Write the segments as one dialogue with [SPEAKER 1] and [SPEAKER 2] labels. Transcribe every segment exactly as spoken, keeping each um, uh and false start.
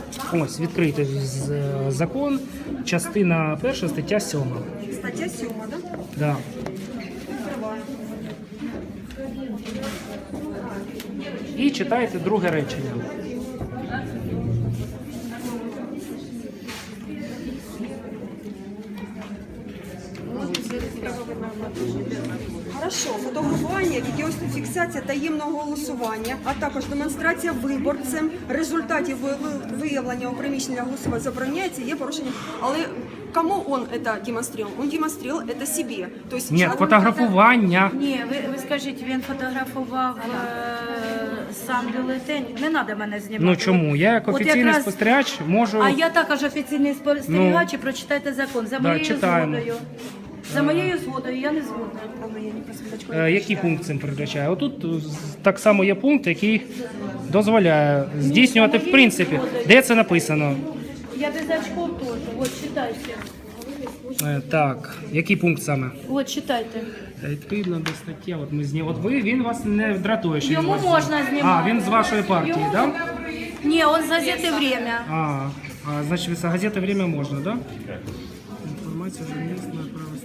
[SPEAKER 1] Ось, відкритий закон, частина перша, стаття сьома.
[SPEAKER 2] Стаття сьома, так?
[SPEAKER 1] Да. І читаєте друге речення.
[SPEAKER 2] Хорошо, фотографування, відеофіксація таємного голосування, а також демонстрація виборцем результатів ви- виявлення у приміщенні голосування забороняється, є порушення. Але кому он это демонстрировал? Он демонстрировал это себе. То есть
[SPEAKER 1] Ні,
[SPEAKER 2] сейчас-
[SPEAKER 1] фотографування.
[SPEAKER 3] Ні, ви, ви скажіть, він фотографував е, сам бюлетень. Не треба мене знімати.
[SPEAKER 1] Ну чому? Я як
[SPEAKER 3] От
[SPEAKER 1] офіційний
[SPEAKER 3] якраз-
[SPEAKER 1] спостерігач можу...
[SPEAKER 3] А я також офіційний спостерігач, і прочитайте закон. За
[SPEAKER 1] да,
[SPEAKER 3] моєю
[SPEAKER 1] читаємо.
[SPEAKER 3] згодою. За моєю згодою я не згодна.
[SPEAKER 1] Е, Який пункт цим передбачає? Отут е, так само є пункт, який дозволяє здійснювати, в принципі, де це написано.
[SPEAKER 3] Я без очков теж. От читайте.
[SPEAKER 1] Е, Так, який пункт саме?
[SPEAKER 3] От читайте.
[SPEAKER 1] Е, Відповідно до статті, от ми зні... От ви, він вас не дратує, що він
[SPEAKER 3] Йому
[SPEAKER 1] вас...
[SPEAKER 3] можна знімати.
[SPEAKER 1] А, він з вашої партії,
[SPEAKER 3] Йому-
[SPEAKER 1] так?
[SPEAKER 3] Ні, он з газети «Время».
[SPEAKER 1] А, а, значит, с газеты «Время» можно, да? Информация журналистная, право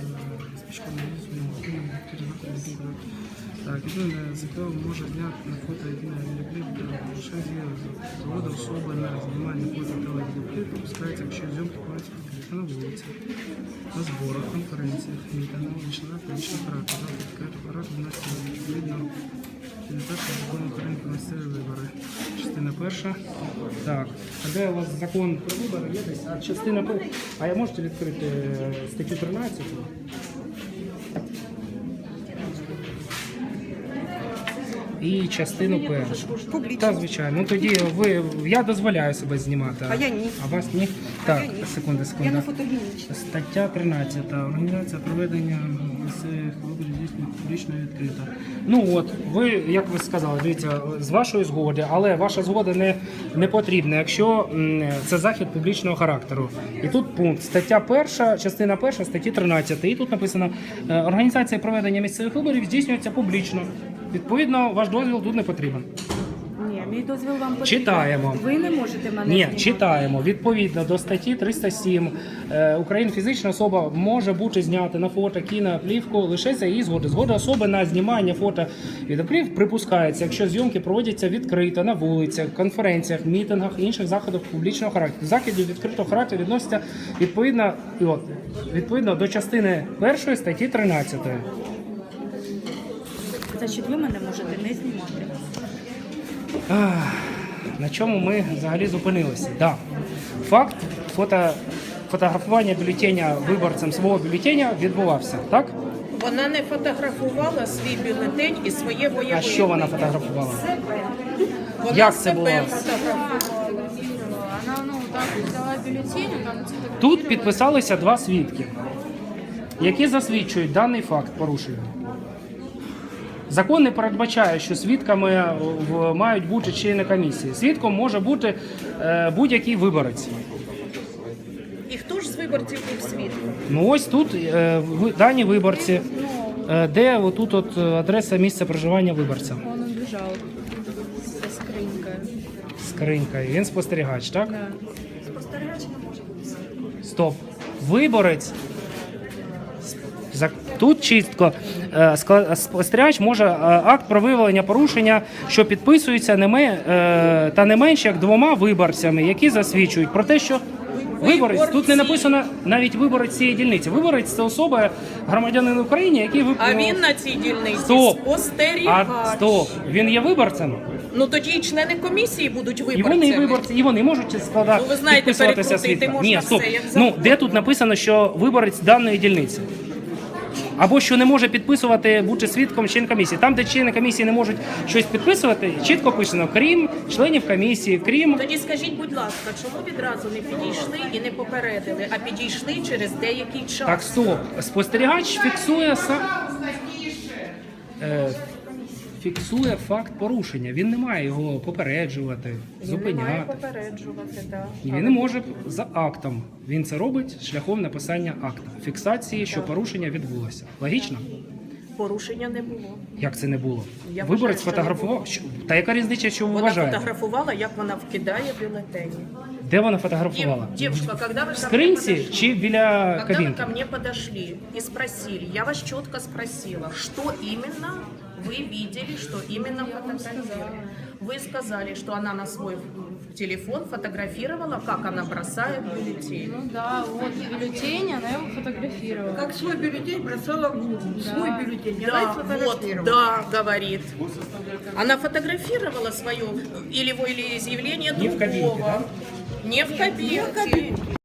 [SPEAKER 1] так, єдине ЗК може зняти на фото єдине відеокліп, лише згода особи на знімання фото та відеокліп допускається, якщо зйомки проводяться на вулиці, на зборах, конференціях, мітингах, вічна публічна характер, захід характер вносить відповідно передбачення закону України про місцеві вибори. Частина перша. Так, а де у вас закон про вибори є десь? А частина перша. А я можете відкрити статтю тринадцять? І частину першу.
[SPEAKER 2] Публічно.
[SPEAKER 1] Так, звичайно. Ну тоді ви, я дозволяю себе знімати.
[SPEAKER 2] А я ні.
[SPEAKER 1] А вас ні? Так,
[SPEAKER 2] я ні.
[SPEAKER 1] секунда,
[SPEAKER 2] Я
[SPEAKER 1] секунда.
[SPEAKER 2] не фотогенічна.
[SPEAKER 1] Стаття тринадцята. Організація проведення місцевих виборів здійснює публічно і відкрито. Ну от, ви, як ви сказали, дивіться, з вашої згоди, але ваша згода не, не потрібна, якщо м, це захід публічного характеру. І тут пункт. Стаття перша, частина перша, статті тринадцять. І тут написано, е, організація проведення місцевих виборів здійснюється публічно. Відповідно, ваш дозвіл тут не потрібен.
[SPEAKER 3] Ні, мій дозвіл вам потрібен.
[SPEAKER 1] Читаємо.
[SPEAKER 3] Ви не можете мене
[SPEAKER 1] Ні,
[SPEAKER 3] знімати.
[SPEAKER 1] читаємо. Відповідно до статті триста сім е, Україна фізична особа може бути знята на фото, кіно, плівку лише за її згоди. Згода особи на знімання фото відеокліп припускається, якщо зйомки проводяться відкрито на вулицях, конференціях, мітингах, інших заходах публічного характеру. Заходів відкритого характеру відносяться відповідно, і от, відповідно до частини першої статті тринадцять.
[SPEAKER 3] Значить, ви мене можете не знімати.
[SPEAKER 1] Ах, на чому ми взагалі зупинилися? Да. Факт фото, фотографування бюлетеня виборцем свого бюлетеня відбувався, так?
[SPEAKER 4] Вона не фотографувала свій бюлетень і своє бойове.
[SPEAKER 1] А що вона фотографувала?
[SPEAKER 4] Вона
[SPEAKER 1] Як це
[SPEAKER 4] себе
[SPEAKER 1] було?
[SPEAKER 4] фотографувала.
[SPEAKER 5] Она, ну, так взяла бюллетень, там цвет-
[SPEAKER 1] Тут підписалися два свідки, які засвідчують даний факт порушення. Закон не передбачає, що свідками в- мають бути члени комісії. Свідком може бути е, будь-який виборець.
[SPEAKER 4] І хто ж з виборців був свідком?
[SPEAKER 1] Ну ось тут е, ви- дані виборці, е, де отут от адреса місця проживання виборця.
[SPEAKER 5] Он убежал со скринкой.
[SPEAKER 1] Скринька. Він спостерігач, так?
[SPEAKER 5] Да.
[SPEAKER 1] Стоп. Виборець. За- Тут чітко е, скла- спостерігач може е, акт про виявлення порушення, що підписується не ме- е, та не менше як двома виборцями, які засвідчують про те, що виборець, тут не написано навіть виборець цієї дільниці. Виборець це особа, громадянин України, який вип...
[SPEAKER 4] А він на цій дільниці
[SPEAKER 1] Стоп.
[SPEAKER 4] спостерігач.
[SPEAKER 1] А, стоп. Він є виборцем?
[SPEAKER 4] Ну тоді і члени комісії будуть
[SPEAKER 1] І
[SPEAKER 4] виборцями.
[SPEAKER 1] вони виборці, і вони можуть складати,
[SPEAKER 4] Ну, ви знаєте,
[SPEAKER 1] підписуватися
[SPEAKER 4] перекрутити
[SPEAKER 1] свідком.
[SPEAKER 4] можна
[SPEAKER 1] Ні, стоп.
[SPEAKER 4] все, як
[SPEAKER 1] Ну,
[SPEAKER 4] завгодно.
[SPEAKER 1] де тут написано, що виборець даної дільниці? Або що не може підписувати, бути свідком член комісії. Там, де члени комісії не можуть щось підписувати, чітко писано, крім членів комісії, крім...
[SPEAKER 4] Тоді скажіть, будь ласка, чому відразу не підійшли і не попередили, а підійшли через деякий час?
[SPEAKER 1] Так, стоп. Спостерігач фіксує сам... Е, фіксує факт порушення. Він не має його попереджувати,
[SPEAKER 4] Він не
[SPEAKER 1] зупиняти.
[SPEAKER 4] має попереджувати, так.
[SPEAKER 1] І він не може за актом. Він це робить шляхом написання акта. Фіксації, що порушення відбулося. Логічно?
[SPEAKER 4] Порушення не було.
[SPEAKER 6] Як це не було?
[SPEAKER 4] Я
[SPEAKER 6] Виборець
[SPEAKER 4] вважаю, що не
[SPEAKER 6] фотографував. Що- Та яка різниця, що ви
[SPEAKER 4] Вона
[SPEAKER 6] вважаєте?
[SPEAKER 4] фотографувала, як вона вкидає бюлетені.
[SPEAKER 6] Де вона
[SPEAKER 4] Дев-
[SPEAKER 6] фотографувала?
[SPEAKER 4] Девушка, когда вы ко
[SPEAKER 6] В
[SPEAKER 4] мне
[SPEAKER 6] скринці
[SPEAKER 4] подошли-
[SPEAKER 6] чи біля
[SPEAKER 4] Когда вы
[SPEAKER 6] кабінки?
[SPEAKER 4] ко мне подошли и спросили, я вас четко спросила, что именно вы видели, что именно фотографировали. Вы сказали, что она на свой телефон фотографировала, как она бросает бюллетень.
[SPEAKER 5] Ну да, вот бюллетень, она его фотографировала.
[SPEAKER 7] Как свой бюллетень бросала в урну. Свой бюллетень.
[SPEAKER 4] Да,
[SPEAKER 7] Давай
[SPEAKER 4] вот,
[SPEAKER 7] сфотографировала.
[SPEAKER 4] да, говорит. Она фотографировала свое или, или изъявление
[SPEAKER 6] Не в кабинке,
[SPEAKER 4] другого. Не в кабинке.